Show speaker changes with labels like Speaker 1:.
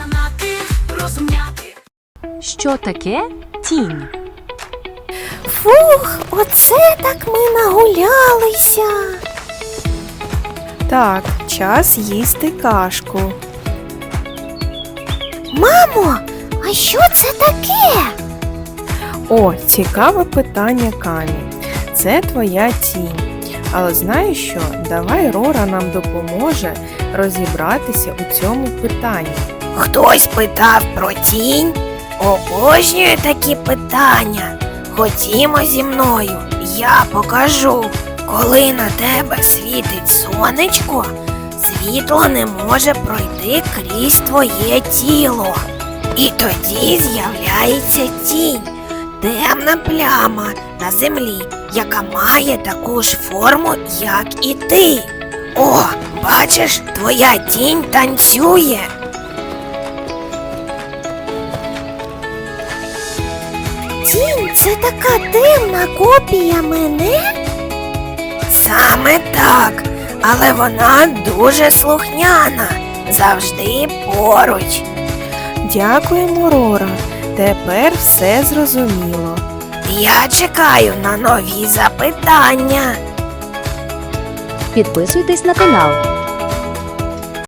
Speaker 1: знати, розумняти.
Speaker 2: Що таке тінь?
Speaker 3: Фух, оце так ми нагулялися.
Speaker 4: Так, час їсти кашку.
Speaker 3: Мамо, а що це таке?
Speaker 4: О, цікаве питання, Камі. Це твоя тінь. Але знаєш що? Давай Рора нам допоможе розібратися у цьому питанні.
Speaker 3: Хтось питав про тінь? Обожнюю такі питання. Ходімо зі мною, я покажу. Коли на тебе світить сонечко, світло не може пройти крізь твоє тіло. І тоді з'являється тінь, темна пляма на землі, яка має таку ж форму, як і ти. О, бачиш, твоя тінь танцює. Тінь – це така темна копія мене? Саме так, але вона дуже слухняна, завжди поруч.
Speaker 4: Дякуємо, Рора. Тепер все зрозуміло.
Speaker 3: Я чекаю на нові запитання.
Speaker 2: Підписуйтесь на канал.